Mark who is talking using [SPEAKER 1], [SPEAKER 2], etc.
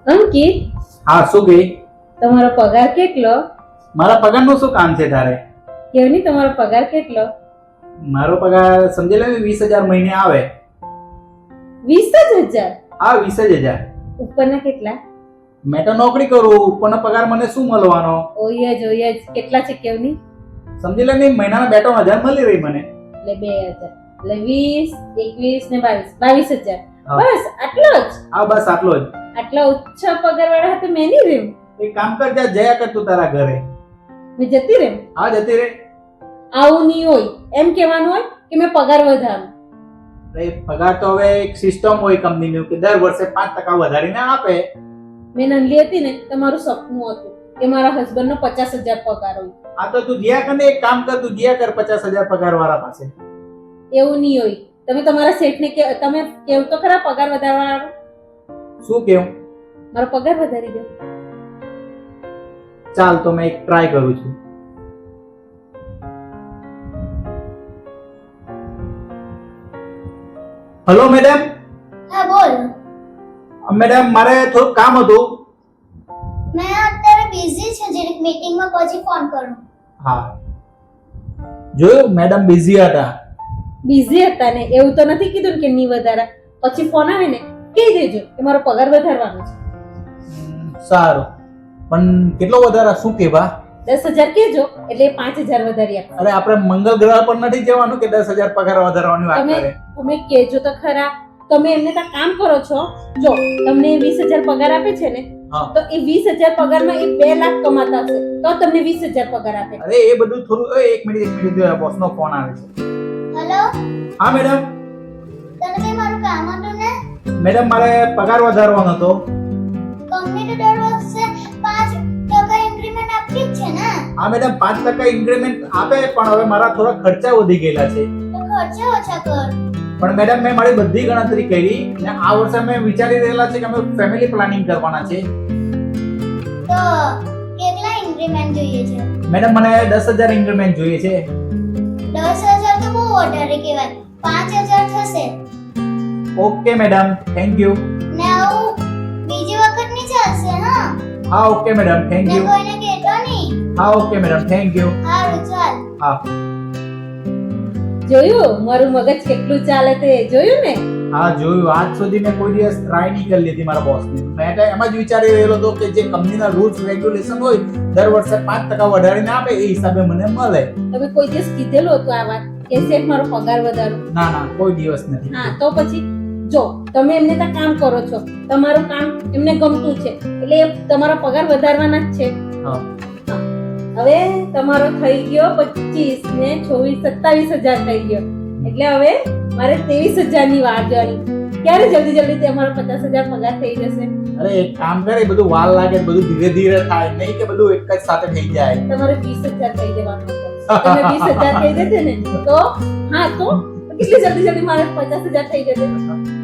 [SPEAKER 1] અંકિત,
[SPEAKER 2] હા શું ગઈ?
[SPEAKER 1] તમારો પગાર કેટલો?
[SPEAKER 2] મારા પગારનું શું કામ છે તારે?
[SPEAKER 1] કેવું નહીં, તમારો પગાર કેટલો?
[SPEAKER 2] મારો પગાર સમજી લે 20,000 મહિને આવે.
[SPEAKER 1] 20,000?
[SPEAKER 2] હા 20,000.
[SPEAKER 1] ઉપરના કેટલા?
[SPEAKER 2] મેં તો નોકરી કરું, ઉપરનો પગાર મને શું મળવાનો?
[SPEAKER 1] ઓય જ કેટલા છે કેવું નહીં?
[SPEAKER 2] સમજી લે નહીં, મહિનાના 2-3 હજાર મળી રહી મને.
[SPEAKER 1] એટલે 2,000 એટલે 20, 21 ને 22
[SPEAKER 2] હા.
[SPEAKER 1] બસ આટલો જ?
[SPEAKER 2] હા બસ આટલો જ.
[SPEAKER 1] આટલા ઓછા પગાર વાળા હાથે મેં નહીં રહ્યું.
[SPEAKER 2] એક કામ કર, જા જયા કર તું તારા ઘરે.
[SPEAKER 1] મેં જતી રહી.
[SPEAKER 2] હા જતી રે.
[SPEAKER 1] આવું નહીં હોય, એમ કહેવાનું હોય કે મેં પગાર વધારું.
[SPEAKER 2] અરે પગાર તો હવે એક સિસ્ટમ હોય કંપનીનું કે દર વર્ષે 5% વધારીને આપે.
[SPEAKER 1] મેં નંદલી હતી ને, તમારું સપનું હતું કે મારા હસબન્ડનો 50,000 પગાર હોય.
[SPEAKER 2] આ તો તું જ્યાં કર ને એક કામ કર, તું જ્યાં કર 50,000 પગાર વાળા પાસે.
[SPEAKER 1] એવું નહીં હોય. તમે તમારા શેઠને તમે કેવું તો ખરા પગાર વધારવા.
[SPEAKER 2] શું કેવું?
[SPEAKER 1] મારો પગાર વધારી દો.
[SPEAKER 2] ચાલ તો મેં એક ટ્રાય કરું છું. Hello madam.
[SPEAKER 3] હા બોલ.
[SPEAKER 2] મેડમ મારે થોડું કામ હતું.
[SPEAKER 3] મેં અત્યારે બિઝી છે, જરીક મીટિંગમાં પછી ફોન કરું.
[SPEAKER 2] હા જોયું, મેડમ બિઝી હતા.
[SPEAKER 1] બિઝી હતા ને એવું તો નથી કીધું ને કે નહીં વધારા. પછી ફોન આવે ને કહી દેજો કે મારો પગાર વધારવાનો છે.
[SPEAKER 2] સારું, પણ કેટલો વધારા શું કેવા?
[SPEAKER 1] 10,000 કહેજો એટલે 5,000 વધારી આપો.
[SPEAKER 2] અરે આપણે મંગળ ગ્રહ પર નથી જવાનું કે 10,000 પગાર વધારવાની વાત
[SPEAKER 1] તમે
[SPEAKER 2] કરે.
[SPEAKER 1] તમે કહેજો તો ખરા. તમે એમને ત્યાં કામ કરો છો, જો તમને 20,000 પગાર આપે છે ને,
[SPEAKER 2] હા.
[SPEAKER 1] તો એ 20,000 પગારમાં એ 2 લાખ કમાતા હશે તો તમને 20,000 પગાર આપે.
[SPEAKER 2] અરે એ બધું થોડું, એક મિનિટ બોસ નો ફોન આવે છે.
[SPEAKER 3] હેલો,
[SPEAKER 2] હા મેડમ.
[SPEAKER 3] તને કઈ મારું કામ હતું ને?
[SPEAKER 2] મેડમ મારે પગાર વધારવાનો હતો.
[SPEAKER 3] કંપની તો દર વર્ષે 5% ઇન્ક્રીમેન્ટ આપતી જ છે ને?
[SPEAKER 2] હા મેડમ 5% ઇન્ક્રીમેન્ટ આપે, પણ હવે મારા થોડા ખર્ચા વધી ગયેલા છે.
[SPEAKER 3] તો ખર્ચા ઓછા કર.
[SPEAKER 2] પણ મેડમ મેં મારી બધી ગણતરી કરી અને આ વર્ષે અમે વિચારી રહેલા છે કે અમે ફેમિલી પ્લાનિંગ કરવાના છે.
[SPEAKER 3] તો કેટલા ઇન્ક્રીમેન્ટ જોઈએ છે?
[SPEAKER 2] મેડમ મને 10,000 ઇન્ક્રીમેન્ટ જોઈએ છે.
[SPEAKER 3] 10,000 તો બહુ વધારે કહેવાય. 5,000 થશે.
[SPEAKER 2] Okay madam, thank you.
[SPEAKER 3] ને આવું બીજી વખત નહીં ચાલશે હા?
[SPEAKER 2] હા ઓકે મેડમ, થેન્ક
[SPEAKER 3] ને
[SPEAKER 2] યુ.
[SPEAKER 3] કોઈને કહેતો નહીં.
[SPEAKER 2] હા ઓકે મેડમ, થેન્ક યુ.
[SPEAKER 3] સારું ચાલ.
[SPEAKER 2] હા
[SPEAKER 1] જોયું મારું મગજ કેટલું ચાલે તે? જોયું ને?
[SPEAKER 2] હા જોયું. આજ સુધી મેં કોઈ દિવસ ટ્રાય નહીં કરી લીધી મારા બોસની. મેં તો એમ જ વિચારી રહેલો હતો કે જે કંપનીના રૂલ્સ રેગ્યુલેશન હોય દર વર્ષે 5% વધારીને આપે એ હિસાબે મને મળે.
[SPEAKER 1] તમે કોઈ દિવસ કીધેલું હતું આ વાત કે શેઠ મારો પગાર વધારો?
[SPEAKER 2] ના ના, કોઈ દિવસ નથી.
[SPEAKER 1] હા તો પછી જો તમે એમને ત્યાં કામ કરો છો, તમારું કામ એમને ગમતું છે એટલે એ તમારો પગાર વધારવાના જ છે.
[SPEAKER 2] હા
[SPEAKER 1] હવે તમારો થઈ ગયો 25 ને 27,000 થઈ ગયો એટલે હવે મારે 23,000 ની વાર જોવાની. ક્યારે જલ્દી તમારો 50,000 પગાર થઈ જશે?
[SPEAKER 2] અરે એક કામ કરે, બધું વાર લાગે, બધું ધીરે ધીરે થાય, નહીં કે બધું એક જ સાથે થઈ જાય.
[SPEAKER 1] તમારે 20,000 થઈ જવાનું હતું. તમે 20,000 થઈ જશે ને તો હા તો કેટલી જલ્દી મારે 50,000 થઈ જશે.